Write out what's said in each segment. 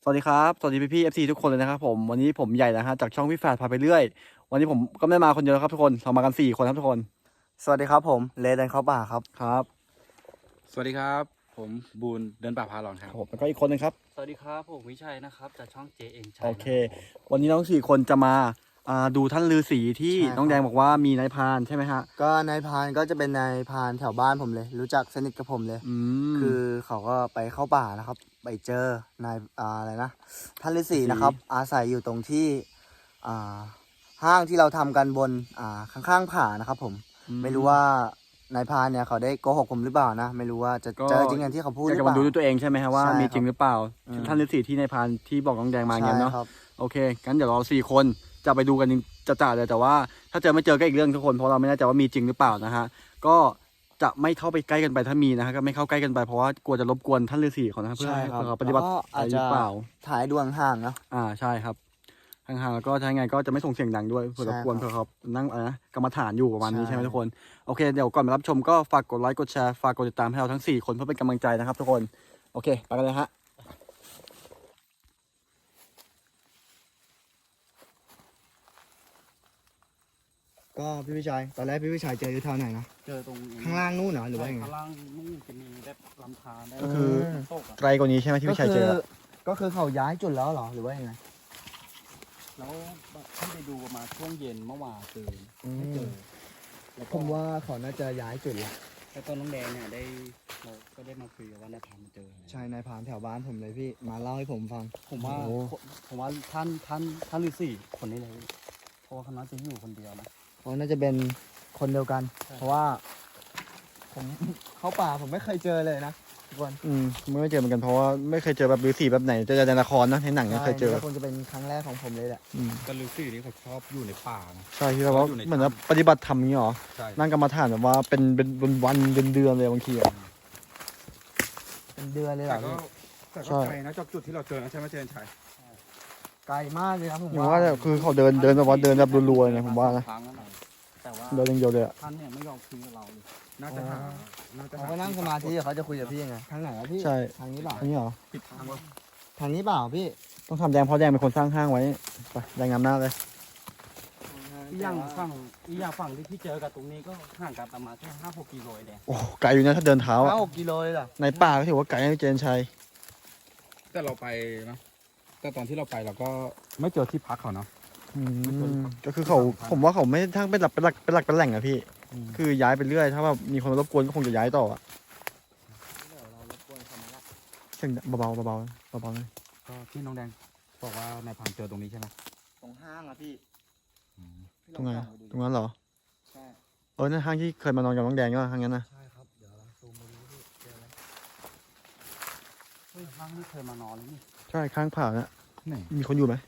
วัสดีครับสวัสดีพี่ๆ FC ทุกคนเลยนะครับผมวันนี้ผมใหญ่นะฮะจากช่องพี่แฝดพาไปเรื่อยวันนี้ผมก็ไม่ได้มาคนเดียวครับทุกคนเรามากัน4 คนครับทุกคนสวัสดีครับผมเลเดนเข้าป่าครับครับสวัสดีครับผมบูนเดินป่าพาหลอนครับผมแล้วก็อีกคนนึงครับสวัสดีครับผมวิชัยนะครับจากช่อง JN ชัยโอเคนะครับผมวันนี้น้อง4 คนจะมาดูท่านฤาษีที่น้องแดงบอกว่ามีนายพรานใช่ไหมฮะก็นายพรานก็จะเป็นนายพรานแถวบ้านผมเลย รู้จักสนิทกับผมเลย คือเขาก็ไปเข้าป่านะครับ ไปเจอนายอะไรนะท่านฤาษีนะครับ อาศัยอยู่ตรงที่อ่าห้างที่เราทำกันบนข้างๆผานะครับผมไม่รู้ว่านายพรานเนี่ยเขาได้โกหกผมหรือเปล่านะไม่รู้ว่าจะเจอจริงอย่างที่เขาพูดหรือเปล่าจะมาดูด้วยตัวเองใช่ไหมฮะว่ามีจริงหรือเปล่าท่านฤาษีที่นายพรานที่บอกน้องแดงมาเงี้ยเนาะโอเคงั้นเดี๋ยวเรา4 คนจะไปดูกันจะเลยแต่ว่าถ้าเจอไม่เจอก็อีกเรื่องทุกคนเพราะเราไม่แน่ใจว่ามีจริงหรือเปล่านะฮะก็จะไม่เข้าไปใกล้กันไปถ้ามีนะฮะก็ไม่เข้าใกล้กันไปเพราะว่ากลัวจะรบกวนท่านฤาษีเขานะครับเพื่อให้เขาปฏิบัติอาจจะถ่ายดวงห่างเนาะใช่ครับห่างๆแล้วก็ถ้าไงก็จะไม่ส่งเสียงดังด้วยเพื่อรบกวนเพื่อเขานั่งกรรมฐานอยู่ประมาณนี้ใช่ไหมทุกคนโอเคเดี๋ยวก่อนมารับชมก็ฝากกดไลค์กดแชร์ฝากกดติดตามให้เราทั้ง4 คนเพื่อเป็นกำลังใจนะครับทุกคนโอเคไปกันเลยฮะก็พี่วิชัยตอนแรกพี่วิชัยเจออยู่แถวไหนนะเจอตรงข้างล่างนู่นเหรอหรือว่ายังไงข้างล่างนู่นจะมีแบบลำธารได้ก็คือตกอ่ะไกลกว่านี้ใช่ไหมที่พี่ชัยเจอก็คือเขาย้ายจุดแล้วเหรอหรือว่ายังไงแล้วที่ไปดูมาช่วงเย็นเมื่อวานเจอไม่เจอแล้วผมว่าเขาน่าจะย้ายจุดละแล้วต้นน้องแดงเนี่ยเราก็ได้มาคุยกับว่านายพรานมาเจอใช่นายพรานแถวบ้านผมเลยพี่มาเล่าให้ผมฟังผมว่าท่านฤาษีคนนี้เลยเพราะว่าเขาน่าจะอยู่คนเดียวนะเขาน่าจะเป็นคนเดียวกันใช่เพราะว่าผมเข้าป่าผมไม่เคยเจอเลยนะทุกคนไม่เจอเหมือนกันเพราะว่าไม่เคยเจอแบบฤาษีแบบไหนเจอในละครนะในหนังเนี่ยเคยเจอใช่นี่ก็คงจะเป็นครั้งแรกของผมเลยแหละก็ฤาษีนี่เขาชอบอยู่ในป่านะใช่ที่เราว่าเหมือนว่าปฏิบัติธรรมนี้หรอใช่นั่งกรรมฐานแบบว่าเป็นวันเดือนเลยบางทีอ่ะเป็นเดือนเลยเหรแต่อก็พี่แต่ใช่ก็ไกลนะจากจุดที่เราเจอนะใช่ไหมเจนชัยไกลมากเลยนะผมอย่างว่าคือเขาเดินแบบว่าเดินแบบรัวๆนะผมว่านะครั้งนั้นน่ะแต่ว่าเดินอย่างเดียวเลยอ่ะท่านเนี่ยไม่ยอมคุยกับเราเลยน่าจะหาน่าจะเขาหาก็นั่งสมาธิเขาจะคุยกับพี่ยังไงทางไหนอะพี่ใช่ทางนี้เปล่าอันนี้เหรอปิดทางวะทางนี้เปล่าพี่ต้องทำแดงเพราะแดงเป็นคนสร้างห้างไว้ไปแดงนำหน้าเลยอีกอย่างฝั่งที่พี่เจอกับตรงนี้ก็ห่างกันประมาณแค่5-6 กิโลเองโอ้ไกลอยู่นะถ้าเดินเท้าอ่ะ 5-6 กิโลเลยเหรอในป่าก็ถือว่าไกลนะพี่เจนชัยแต่เราไปนะแต่ตอนที่เราไปเราก็ไม่เจอที่พักเขาเนาะก็คือเขาผมว่าเขาไม่ทั้งเป็นหลักเป็นแหล่งอะพี่ คือย้ายไปเรื่อยถ้าแบบมีคนมารบกวนก็คงจะย้ายต่ออะเดี๋ยวเรารบกวนเขามาละเสียงเบาๆเบาๆเลยก็ที่น้องแดงบอกว่านายพรานเจอตรงนี้ใช่ไหมตรงห้างอะพี่พี่ตรงไหนลอส่อปดูตรงนั้นเหรอใช่นั่นห้างที่เคยมานอนกับน้องแดงก็ห้างนั้นนะใช่ครับเดี๋ยวเราซูมไปดูพี่เจอไหมเฮ้ยห้างนี่เคยมานอนเลยนี่ใช่ข้างผานะไหนมีคนอยู่ไหม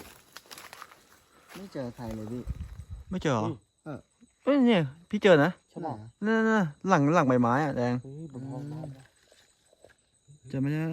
ไม่เจอใครเลยพี่ไม่เจอเหรอเออเนี่ยพี่เจอนะใช่ป่ะนั่นหลังใบไม้อะแดงเฮ้ยบนห้องบ้านนะเจอไหมเนี่ย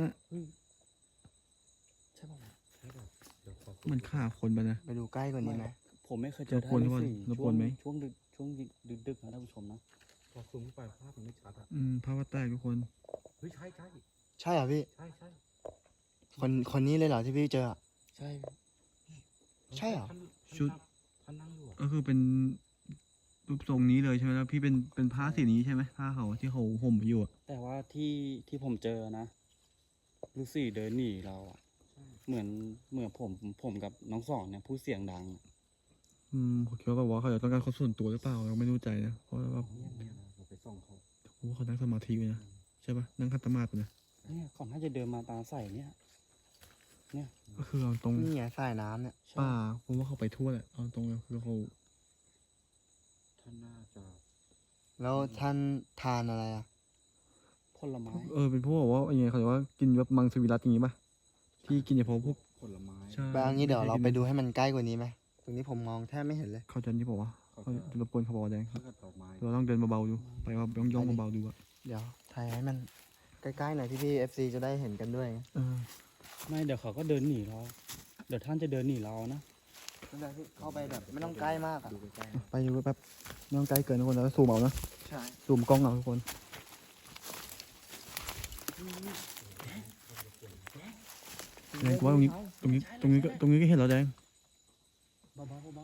ใช่ป่ะเหมันฆ่าคนไปนะไปดูใกล้กว่านี้ไหมผมไม่เคยเจอรบกวนท่านฤาษีรบกวนไหมช่วงดึกๆนะท่านผู้ชมนะพอซูมเข้าไปภาพมันไม่ชัดอะภาพว่าแตกทุกคนเฮ้ยใช่ใช่ใช่เหรอพี่ใช่ใช่คนนี้เลยเหรอที่พี่เจออะใช่ใช่เหรอชุดท่านนั่งอยู่อะก็คือเป็นรูปทรงนี้เลยใช่ไหมแล้วพี่เป็นผ้าสีนี้ใช่ไหมผ้าเขาที่เขาห่มอยู่อะแต่ว่าที่ผมเจอนะฤาษีเดินหนีเราอะเหมือนผมกับน้องสองเนี่ยพูดเสียงดังผมคิดว่าแบบว่าเขาจะต้องการคนส่วนตัวหรือเปล่าเราไม่รู้ใจนะเพราะว่าเนี่ยเราไปส่องเขาผมว่าเขานั่งสมาธิอยู่นะใช่ปะนั่งคัตมาธิอยู่นะเนี่ยก่อนน่าจะเดินมาตาใส่เนี่ยก็คือเอาตรงนี่ไงสายน้ำเนี่ยใช่ป่าผมว่าเขาไปทั่วแหละเอาตรงเลยคือเขาท่านน่าจะแล้วท่านทานอะไรอะผลไม้เป็นพวกแบบว่าอย่างเงี้ยเขาเรียกว่ากินแบบมังสวิรัตอย่างงี้ป่ะที่กินเฉพาะพวกผลไม้ใช่ไปเอางี้เดี๋ยวเราไปดูให้มันใกล้กว่านี้ไหมตรงนี้ผมมองแทบไม่เห็นเลยเขาจะนี่บอกว่าเขาเขาจะจะรบกวนเขาบอกว่าแดงถ้าเกิดดอกไม้เราต้องเดินเบาๆดูไปว่าย่องๆเบาๆดูอะเดี๋ยวถ่ายให้มันใกล้ๆหน่อยพี่ๆ FC จะได้เห็นกันด้วยเออไม่เดี๋ยวเขาก็เดินหนีเรา เดี๋ยวท่านจะเดินหนีเรานะเข้าไปแบบไม่ต้องใกล้มากอะดูใกล้ไปดูแป๊บไม่ต้องไกลเกินทุกคนแล้วซูมเอานะใช่ซูมกล้องเอาทุกคนเแดงกูว่าตรงนี้ตรงนี้ก็เห็นแล้วแดงเบาๆเบา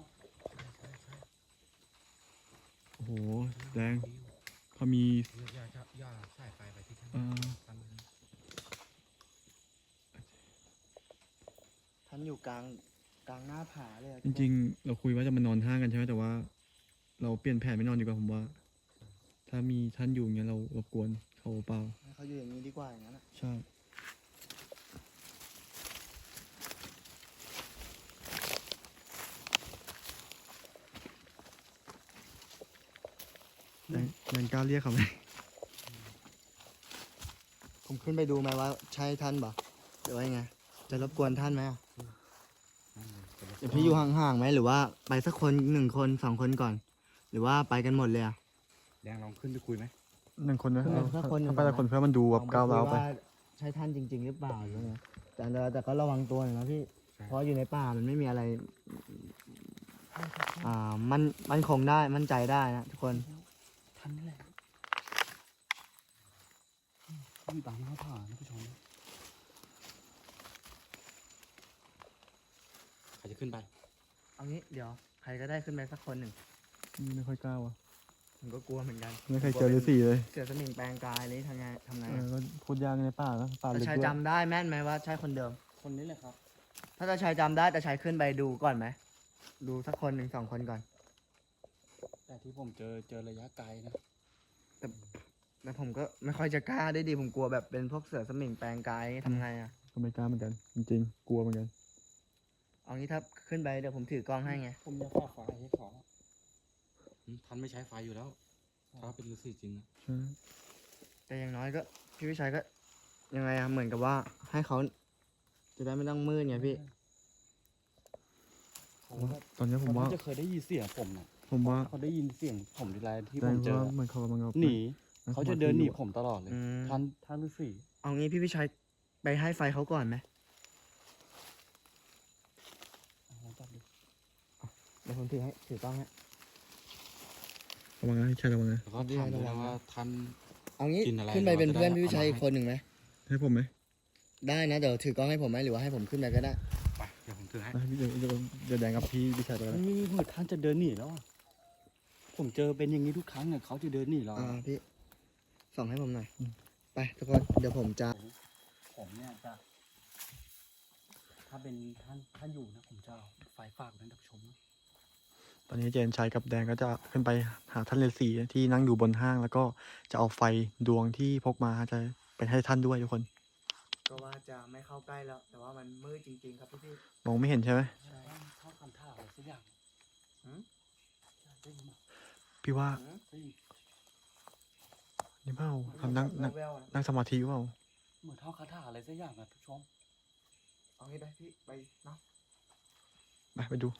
โอ้โหแดงเขามีอย่าใส่ไฟไปที่ท่านเอ่อท่านอยู่กลางหน้าผาเลยอะจริงๆ เราคุยว่าจะมานอนห้างกันใช่ไหมแต่ว่า เราเปลี่ยนแผนไม่นอนดีกว่าผมว่า ถ้ามีท่านอยู่อย่างเงี้ยเรารบกวนเขาเปล่าให้เขาอยู่อย่างนี้ดีกว่าอย่างนั้นอะใช่แดงกล้าเรียกเขาไหมผมขึ้นไปดูไหมว่าใช่ท่านปะหรือว่ายังไงจะรบกวนท่านไหมอะเดี๋ยวพี่อยู่ห่างๆไหมหรือว่าไปสักคน1 คน2 คนก่อน หรือว่าไปกันหมดเลยอะแดงลองขึ้นไปคุยไหม 1 คนนะเออถ้าคนหนึ่งถ้าไปแต่คนเพื่อมันดูแบบก้าวร้าวไปลองคุยใช่ท่านจริง ๆ หรือเปล่าหรือไงแต่ก็ระวังตัวหน่อยนะพี่เพราะอยู่ในป่ามันไม่มีอะไรมันคงได้มั่นใจได้นะทุกคนๆท่านนี่แหละอยู่ตามหน้าผานะผู้ชมใครจะขึ้นไปเอางี้เดี๋ยวใครก็ได้ขึ้นไปสักคนหนึ่งไม่ค่อยกล้าว่ะผมก็กลัวเหมือนกันไม่เคยเจอฤาษีเลยเสือสมิงแปลงกายเลยทำไงอะก็พูดยากในป่านะป่าตาลึกชายด้วยจำได้แม่นไหมว่าใช่คนเดิมคนนี้แหละครับถ้าตาชายจำได้ตาชายขึ้นไปดูก่อนไหมดูสักคน1 2 คนก่อนแต่ที่ผมเจอระยะไกลนะแต่ผมก็ไม่ค่อยจะกล้าได้ดีผมกลัวแบบเป็นพวกเสือสมิงแปลงกายทำไงอะก็ไม่กล้าเหมือนกัน จริงๆ กลัวเหมือนกันเอางี้ถ้าขึ้นไปเดี๋ยวผมถือกล้องให้ไงผมจะฝากไฟให้เขาท่านไม่ใช้ไฟอยู่แล้ว ถ้าเป็นฤาษีจริงนะใช่แต่อย่างน้อยก็พี่วิชัยก็ยังไงอะเหมือนกับว่าให้เขาจะได้ไม่ต้องมืดไงพี่เขาแบบตอนนี้ผมว่าจะเคยได้ยินเสียงผมนะผมว่าเขาได้ยินเสียงผมทีไรที่แดผงมเจอว่ามันเขากำลังเอาหนีนั่งเขาจะสมธิเดินหนีอยู่ผมตลอดเลยอืมท่านฤาษีเอางี้พี่วิชัยไปให้ไฟเขาก่อนไหมเอาลองจับดูเดี๋ยวผมถือกล้องให้ระวังนะใช่ระวังนะแล้วก็ถามด้วยนะว่าท่านเอางี้กินอะไรขึ้นไปเป็นเพื่อนเราจะได้พี่วิชัยเอามาให้คนหนึ่งไหมให้ผมไหมได้นะเดี๋ยวถือกล้องให้ผมไหมหรือว่าให้ผมขึ้นไปก็ได้ไปเดี๋ยวผมถือให้เดี๋ยวแดงกับพี่แชร์ไปแล้วนี่เหมือนท่านจะเดินหนีแล้วอะผมเจอเป็นอย่างนี้ทุกครั้งอะเขาจะเดินหนีเราพี่ส่องให้ผมหน่อยไปทุกคนเดี๋ยวผมจะผมเนี่ยจะ ถ้าเป็นท่านอยู่นะผมจะเอาไฟฝากท่านผู้ชมนะตอนนี้เจนชัยกับแดงก็จะขึ้นไปหาท่านฤาษีที่นั่งอยู่บนห้าง แล้วก็จะเอาไฟดวงที่พกมาจะไปให้ท่านด้วยทุกคนก็ว่าจะไม่เข้าใกล้แล้ว แต่ว่ามันมืดจริงๆครับพี่มองไม่เห็นใช่ไหมใช่เข้าคำท่าอะไรสักอย่างหืมได้ยินไหมพี่ว่าได้ยินนี่เปล่าทำนั่งแววๆนะนั่งสมาธิเปล่าเหมือนท่าคาถาอะไรสักอย่างนะทุกชมเอางี้ไปพี่ไปเนาะไปดู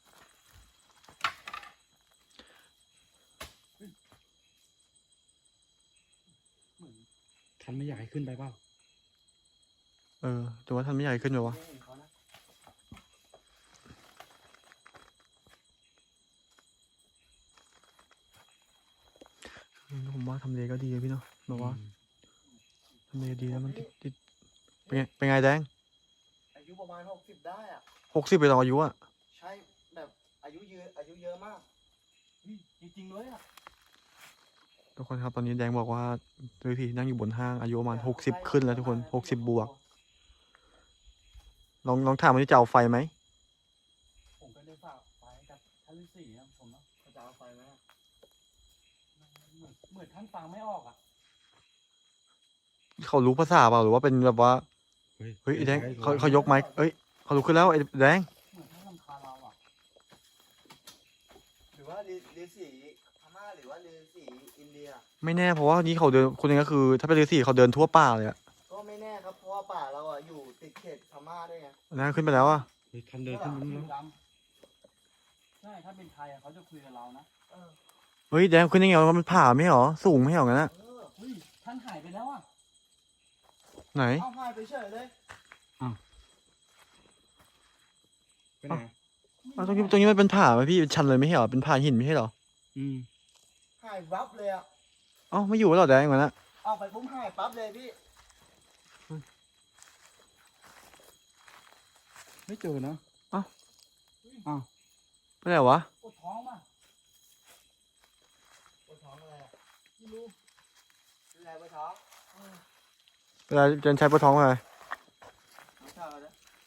เหมือนท่านไม่อยากให้ขึ้นไปเปล่าแต่ว่าท่านไม่ใหญ่ขึ้นเลยวะไม่เห็นเขานะผมว่าทำเลก็ดีเลยพี่เนาะแบบว่าทำเลดีแล้วมันติดเป็นไงแดงอายุประมาณ60ได้อ่ะ 60ไปต่ออายุอะใช่แบบอายุเยอะมากจริงๆเลยอะทุกคนครับตอนนี้แดงบอกว่าฤาษีนั่งอยู่บนห้างอายุประมาณ60ขึ้นแล้วทุกคน60บวกลองถามว่าจะเอาไฟไหมผมก็ได้ฝากไฟกับท่านฤาษีนะผมเนาะเขาจะเอาไฟไหมอะเหมือนท่านฟังไม่ออกอะเขารู้ภาษาเปล่าหรือว่าเป็นแบบว่าเฮ้ยไอ้แดงเขายกไม้เอ้ยเขาลุกขึ้นแล้วไอ้แดงเหมือนท่านรำคาญเราอะหรือว่าฤาษีพม่าหรือว่าฤาษีอินเดียไม่แน่เพราะว่านี่เขาเดินคนนึงก็คือ ถ้าเป็นฤาษีเขาเดินทั่วป่าเลยอะก็ไม่แน่ครับเพราะว่าป่าเราอ่ะอยู่ติดเขตพม่าด้วยไงนะขึ้นไปแล้วอะเฮ้ยท่านเดินขึ้นไปผิแล้ว วดำใช่ถ้าเป็นไทยอะเขาจะคุยกับเรานะเฮ้ยแดงขึ้นยังไงวะมันผ่าไม่เหรอสูงไม่เหรองั้นอะเฮ้ยท่านหายไปแล้วอะไหนเอาหายไปเฉยเลยไปไหนตรงนี้มันเป็นผาไหมพี่เป็นชันเลยไม่ใช่เหรอเป็นผาหินไม่ใช่เหรออืมหายวับเลยอ่ะเอ้าไม่อยู่แล้วเหรอแดงเหมือนอะเอาไปปุ๊บหายปั๊บเลยพี่ไม่เจอนะไม่ใช่วะปวดท้องป่ะปวดท้องอะไรไม่รู้เป็นไรปวดท้องเวลาเจนใช้ปวดท้องอะไรไม่ทราบนะ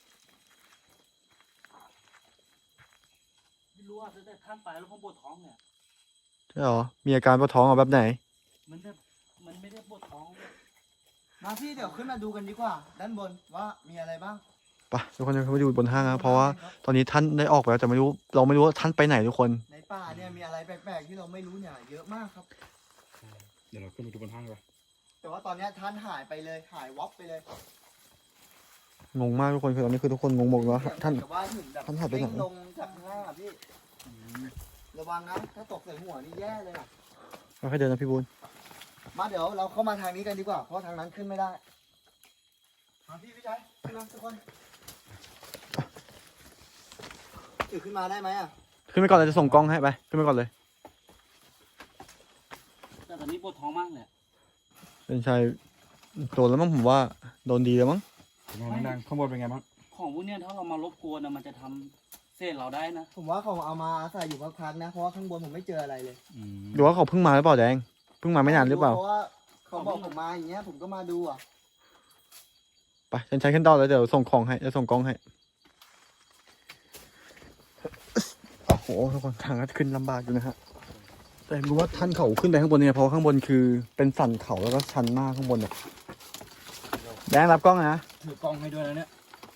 ไม่รู้อ่ะแต่ท่านไปแล้วผมปวดท้องเนี่ยใช่หรอมีอาการปวดท้องแบบไหนมันแบบมันไม่ได้ปวดท้องเลยมาพี่เดี๋ยวขึ้นมาดูกันดีกว่า ด้านบนว่ามีอะไรบ้างไปทุกคนจะขึ้นไปดูบนห้างนะเพราะว่าตอนนี้ท่านได้ออกไปแล้วแต่ไม่รู้เราไม่รู้ว่าท่านไปไหนทุกคนในป่าเนี่ยมีอะไรแปลกๆที่เราไม่รู้เนี่ยเยอะมากครับเดี๋ยวเราขึ้นไปดูบนห้างไปแต่ว่าตอนเนี้ยท่านหายไปเลยหายวับไปเลยงงมากทุกคนคือตอนนี้คือทุกคนงงหมดแล้วท่านแต่ว่าถึงแบบท่านหายไปไหนเด้งลงจากข้างล่างอะพี่ระวังนะถ้าตกใส่หัวนี่แย่เลยอะค่อยๆเดินนะพี่บุญมาเดี๋ยวเราเข้ามาทางนี้กันดีกว่าเพราะทางนั้นขึ้นไม่ได้มาพี่ชายขึ้นมาทุกคนถือขึ้นมาได้ไหมอะขึ้นไปก่อนเลยจะส่งกล้องให้ไปขึ้นไปก่อนเลยแต่ตอนนี้ปวดท้องมากเลยเป็นชายโดนแล้วมั้งผมว่าโดนดีแล้วมั้งเป็นไงน้องแดงข้างบนเป็นไงบ้างของพวกเนี้ยถ้าเรามารบกวนนะมันจะทำเส้นเราได้นะผมว่าเขาเอามาอาศัยอยู่พักๆนะเพราะว่าข้างบนผมไม่เจออะไรเลยหรือว่าเขาเพิ่งมาหรือเปล่าแดงเพิ่งมาไม่นานหรือเปล่าเพราะว่าเขาบอกผมมาอย่างเงี้ยผมก็มาดูอ่ะไปฉันใช้ขึ้นต่อแล้วเดี๋ยวส่งของให้จะส่งกล้องให้โอ้โหทุกคนทางก็ขึ้นลำบากอยู่นะฮะแต่รู้ว่าท่านเขาขึ้นไปข้างบนเนี่ยเพราะว่าข้างบนคือเป็นสันเขาแล้วก็ชันมากข้างบนเนี่ยแดงรับกล้องนะถือกล้องให้ด้วยนะเนี่ย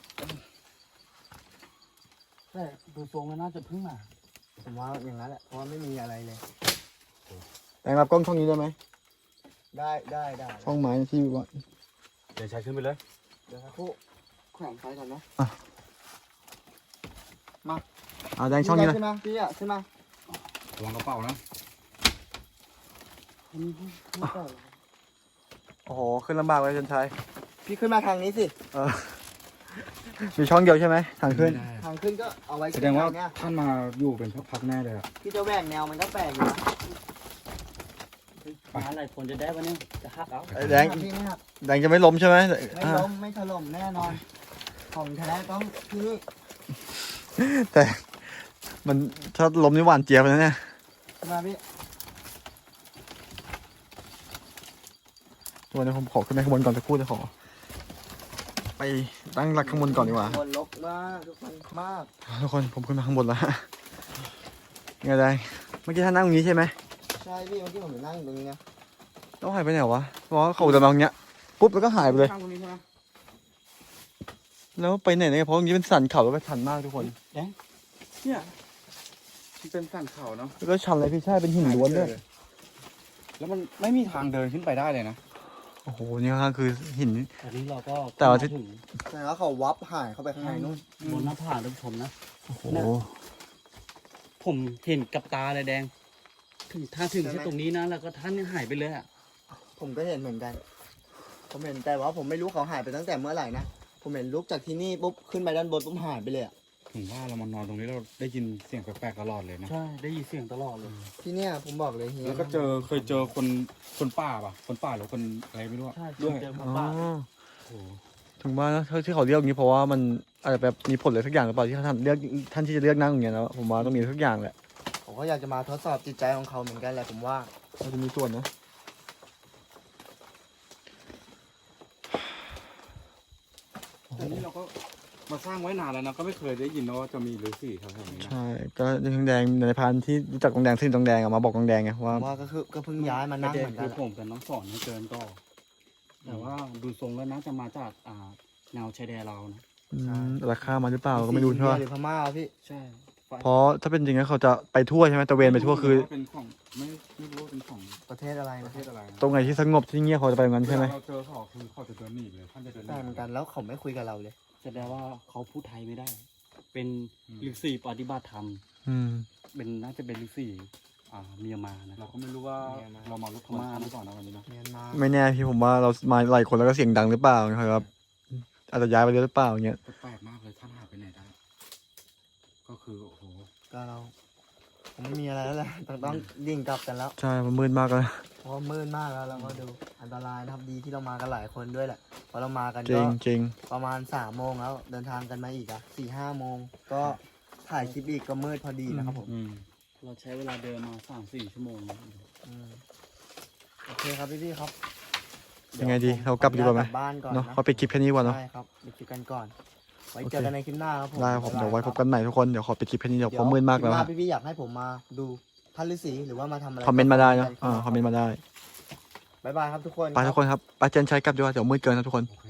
แต่ดูทรงแล้วน่าจะเพิ่งมาผมว่าอย่างนั้นแหละเพราะว่าไม่มีอะไรเลยแดงรับกล้องช่องนี้ได้ไหมได้ช่องไม้ที่ว่าเดี๋ยวใช้ขึ้นไปเลยเดี๋ยวสักครู่แขวนไฟก่อนนะแดงช่องนี้เลยขึ้นมาพี่อ่ะขึ้นมาระวังกระเป๋านะอันนี้พี่ก่อนโอ้โหขึ้นลำบากเลยจันชัยพี่ขึ้นมาทางนี้สิมีช่องเดียวใช่ไหมทางขึ้นทางขึ้นก็เอาไว้แสดงว่าทเนี่ยท่านมาอยู่เป็นพักๆแน่เลยอะพี่จะแหวกแนวมันก็แปลกอยู่นะมาหลายคนจะได้วันนี้จะหักเอาแดงพี่ไม่หักแดงจะไม่ล้มใช่ไหมไม่ล้มไม่ถล่มแน่นอน ของแท้ต้องที่นี่แต่มันถ้าล้มนี่หวานเจี๊ยบนะเนี่ยขึ้นมาพี่ตัวนี้ผมขอขึ้นไปข้างบนก่อนจะพูดจะขอ ไปตั้งหลักข้างบนก่อนดีกว่าบนลกมากทุกคนมากทุกคนผมขึ้นมาข้างบนแล้วไงแดงเมื่อกี้ท่านนั่งตรงนี้ใช่ไหมใช่พี่เมื่อกี้ผมนั่งอยู่ตรงนี้นะแล้วหายไปไหนวะเพราะว่าเขาเดินมาตรงเนี้ยปุ๊บแล้วก็หายไปเลยข้างตรงนี้ใช่ไหมแล้วไปไหนเนี่ยเพราะตรงนี้เป็นสันเขาแล้วก็ชันมากทุกคนเนี่ยมันเป็นสันเขาเนาะแล้วก็ชันเลยพี่ใช่เป็นหินล้วนด้วยแล้วมันไม่มีทางเดินขึ้นไปได้เลยนะโอ้โหนี่ก็คือหินอันนี้เราก็แต่ว่าที่ถึงแต่ว่าเขาวับหายเข้าไปข้างในนู่นบนหน้าผาท่านผู้ชมนะโอ้โหผมเห็นกับตาเลยแดง ถึงถ้าถึงแค่ตรงนี้นะแล้วก็ท่านหายไปเลยอ่ะผมก็เห็นเหมือนกัน ผมเห็นแต่ว่าผมไม่รู้เขาหายไปตั้งแต่เมื่อไหร่นะ ผมเห็นลุกจากที่นี่ปุ๊บขึ้นไปด้านบนปุ๊บหายไปเลยอะถึงว่าเรามานอนตรงนี้เราได้ยินเสียงแปลกๆตลอดเลยนะใช่ได้ยินเสียงตลอดเลยที่เนี่ยผมบอกเลยเฮียแล้วก็เคยเจอคนป่าป่ะ คนป่าหรือคนอะไรไม่รู้อะใช่ด้วยเจอมาอ๋อป่าโอ้โหถึงว่านะที่เขาเรียกอย่างนี้เพราะว่ามันอาจจะแบบมีผลอะไรสักอย่างหรือเปล่าที่ท่านเลือกท่านที่จะเลือกนั่งอย่างเงี้ยนะผมว่าต้องมีสักอย่างแหละผมก็อยากจะมาทดสอบจิตใจของเขาเหมือนกันแหละผมว่าเราจะมีส่วนนะแต่นี่เราก็มาสร้างไว้นานแล้วนะก็ไม่เคยได้ยินนะว่าจะมีฤาษีแถวๆนี้นะใช่ก็ทองแดงในพานที่รู้จักทองแดงซึ่งทองแดงอะมาบอกทองแดงไงผว่ามว่าก็เพิ่งย้ายมานั่งประเหเด็มืนอนกัคือน ผมกับน้องสอนไม่เกินต่อแต่ว่าดูทรงแล้วน่าจะมาจากแนวชายแดนเรานะราคามาหรือเปล่าก็ไม่รู้ใช่ไหมหรือพม่าพี่ใช่เพราะถ้าเป็นจริงแล้วเขาจะไปทั่วใช่ไหมตะเวนไปทั่วคือเป็นของไม่รู้ว่าเป็นของประเทศอะไรปนะระเทศอะไรนะตรงไหนที่สงบที่เงียบเขาจะไปตรงนั้นใช่ไหมเราเจอเขาคือเขาจะเดินหนีเลยท่านจะเดินหใช่นีเหมือนกันแล้วเขาไม่คุยกับเราเลยแสดงว่าเขาพูดไทยไม่ได้ เป็นฤาษีปฏิบัติธรรมอืมเป็นน่าจะเป็นฤาษีเมียนมานะเราก็ไม่รู้ว่าเรามาลุกธรรมะหรือเปล่านะวันนี้นะเมียนมาไม่แน่พี่ผมว่าเรามาหลายคนแล้วก็เสียงดังหรือเปล่าครับอาจจะย้ายไปเรื่อยหรือเปล่าอย่างเงี้ยแปลกมากเลยท่านหายไปไหนได้ก็คือโอ้โหก็เราผมไม่มีอะไรแล้วแหละต้องดิ่งกลับกันแล้วใช่มันมืดมากเลยเพราะว่ามืดมากแล้วเราก็ดูอันตรายนะครับดีที่เรามากันหลายคนด้วยแหละเพราะเรามากันจริก็งจริงประมาณ3 โมงแล้วเดินทางกันมาอีก4-5 โมงก็ถ่ายคลิปอีกก็มืดพอดีนะครับผมเราใช้เวลาเดินมา3-4 ชั่วโมงนะอืมโอเคครับพี่ๆครับยังไงดีผมเรากลับดีกว่าไหมขออนุญตบ้านก่อนเนาะนะเขาปิดคลิปแค่นี้ก่อนเนาะใช่ครับปิดคลิปกันก่อน ไว้โอเคเจอกันในคลิปหน้าครับผมได้ครับผมเดี๋ยวไว้ายพรับกันใหม่ทุกคนเดี๋ยวขอปิดคลิปแค่นี้เดี๋ยวเพราะมืดมากแล้วคลิปหฮะน้พี่ๆอยากให้ผมมาดูท่านฤาษีหรือว่ามาทำอะไรคอมเมนต์มาได้นะก็คอมเมนต์มาได้บ๊ายบายครับทุกคนไปทุกคนครับไปเจนใช้กลับดีกว่าเดี๋ยวมืดเกินนะทุกคนโอเค